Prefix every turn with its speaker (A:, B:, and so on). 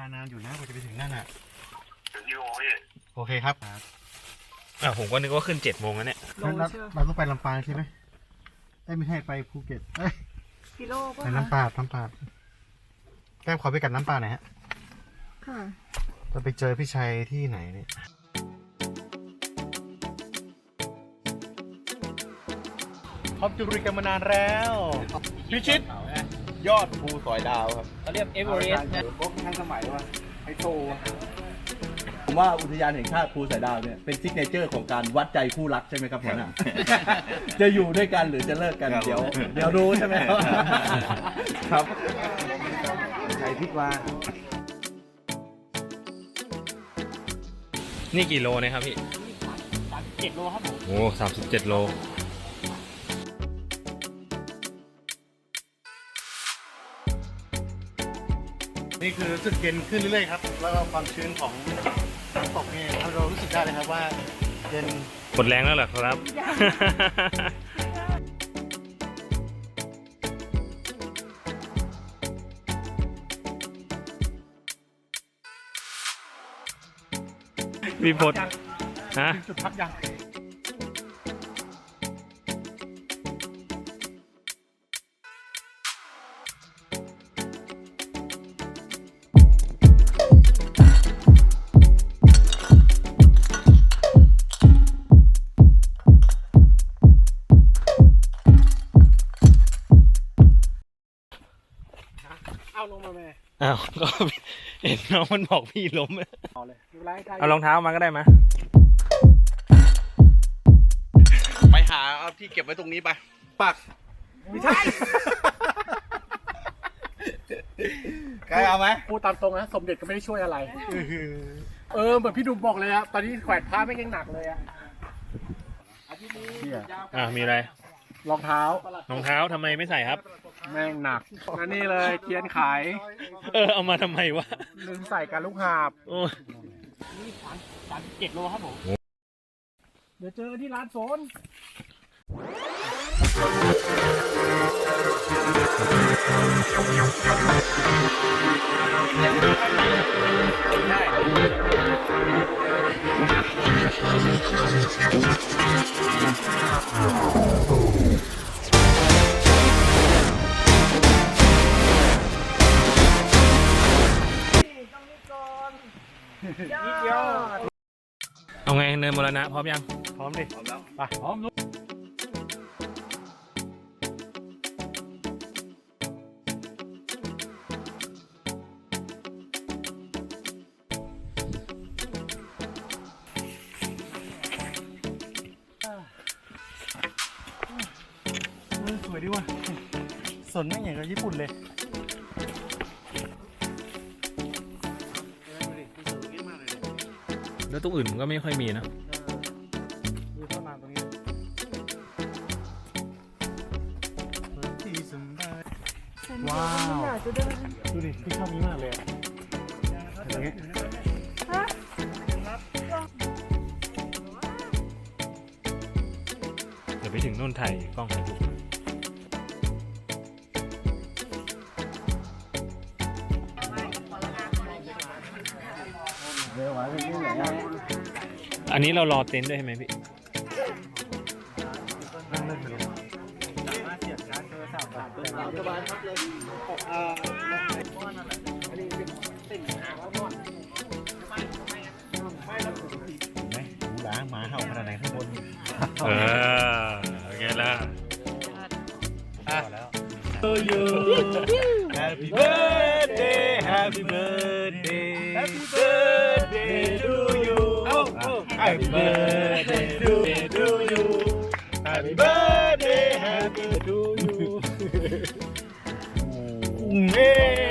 A: านานอยู่นะกว่าจะไปถึงนั่นอ่ะ
B: ถึงกี่โมงพี่
A: โอเคครับ
C: ผมก็นึกว่าขึ้น7 โมงแล้วเนี่ย
A: เราต้องไปลำปางใช่ไหมไม่ให้ไปภูเก็ต
D: กิโลป่ะ
A: ไปน้ำปลาแก้มขอไปกัดน้ำปลาหน่อยฮะ
D: ค่ะ
A: จะไปเจอพี่ชัยที่ไหนเนี่ยพบจุริกันมานานแล้วพิชิตยอดภูสอยดาวครับ
C: เขาเรียกเอเวอเรสต์นะ
A: พวกทันสมัยว่าไฮโซ
E: ผมว่าอุทยานแห่งชาติภูสอยดาวเนี่ยเป็นซิกเนเจอร์ของการวัดใจคู่รักใช่ไหมครับหัวหน้าจะอยู่ด้วยกันหรือจะเลิกกันเดี๋ยวรู้ใช่ไหมครับ
A: ใครพิดว่า
C: นี่กี่โลนะครับพี่
D: 37 โลครับผม
C: โอ้37 โล
A: นี่คือรู้สึกเย็นขึ้นเรื่อยๆครับแล้วก็ความชื้นของน้ำตกเนี่ยเรารู้สึกได้เลยครับว่าเย็น
C: หมดแรงแล้วเหรอครับมีพดฮะ
A: จุดพักยังเอาลงมาแม่
C: ก็เห็นน้องมันบอกพี่ล้ม
A: เอาเลย
C: เอารองเท้ามาก็ได้มา
E: ไปหาเอาที่เก็บไว้ตรงนี้ไปปัก
A: ไม่ใช่ใครเอาไหมพูดตามตรงนะสมเด็จก็ไม่ได้ช่วยอะไรเหมือนพี่ดุมบอกเลยอะตอนนี้แขวนผ้าไม่ยังหนักเลยอะ
C: มีอะไร
A: รองเท้า
C: ทำไมไม่ใส่ครับ
A: แม่งหนักแล้วนี่เลยเทียนขาย
C: เอามาทำไมวะ
A: ลืมใส่กันลูกหาบ
D: นี่37 โลครับผมเดี๋ยวเจอกันที่ร้านโฟน
C: เอาไงเนินมรณะพร้อมยัง
A: พร้อมดิพร้อมแล้วไปพร้อมลุกสวยดีว่ะสนไม่เหมือนกับญี่ปุ่นเลย
C: แล้วตรงอื่นมันก็ไม่ค่อยมีนะ
A: ดูเข้ามาตรงนี้ว้าวดูดิพี่ชอบนี้มากเลยอย่างเงี้ย
C: เดี๋ยวไปถึงโน่นถ่ายกล้องถ่ายรูปอันนี้เรารอเต็นท์ด้วยใช่ไหมพี่
A: นั่งเล่นไปเลยสามารถเสียบชาร์จโทรศัพท์แบบสบายครับเลยไหมหูหลาหมาเห่าขนาดไหนข้างบน
C: โอเคแล้ว
A: To you Happy birthday Happy birthday Happy birthday to you Happy birthday to you Happy birthday Happy to you